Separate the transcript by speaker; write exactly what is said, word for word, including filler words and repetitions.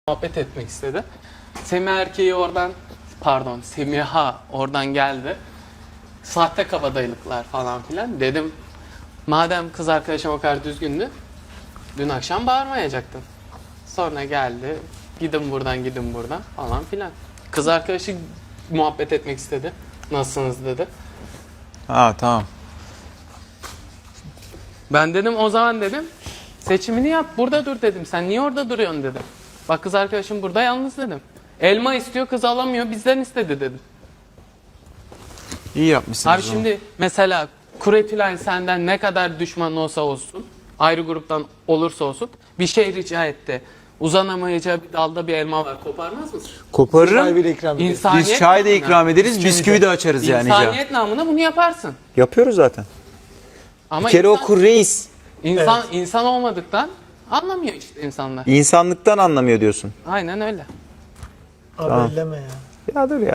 Speaker 1: muhabbet etmek istedi. Semih erkeği oradan, pardon Semiha oradan geldi. Sahte kabadayılıklar falan filan. Dedim madem kız arkadaşım o kadar düzgündü, dün akşam bağırmayacaktın. Sonra geldi, gidin buradan gidin buradan falan filan. Kız arkadaşı muhabbet etmek istedi. Nasılsınız dedi.
Speaker 2: Ha tamam.
Speaker 1: Ben dedim o zaman dedim seçimini yap, burada dur dedim. Sen niye orada duruyorsun dedim. Bak kız arkadaşım burada yalnız dedim. Elma istiyor, kız alamıyor, bizden istedi dedim.
Speaker 2: İyi yapmışsınız.
Speaker 1: Abi şimdi mesela Kuretülen senden ne kadar düşman olsa olsun, ayrı gruptan olursa olsun bir şey rica etti. Uzanamayacağı bir dalda bir elma var, koparmaz mısın?
Speaker 2: Koparırım.
Speaker 3: Bir ikram ederiz.
Speaker 1: İnsaniyet
Speaker 2: Biz çay da
Speaker 1: namına-
Speaker 2: ikram ederiz, bisküvi de açarız yani.
Speaker 1: İnsaniyet namına bunu yaparsın.
Speaker 2: Yapıyoruz zaten.
Speaker 1: Ama
Speaker 2: Bir kere
Speaker 1: insan,
Speaker 2: o kur reis.
Speaker 1: insan, insan olmadıktan anlamıyor işte insanlar.
Speaker 2: İnsanlıktan anlamıyor diyorsun.
Speaker 1: Aynen öyle.
Speaker 3: Abi
Speaker 2: Tamam.
Speaker 3: elleme ya.
Speaker 2: Ya dur ya.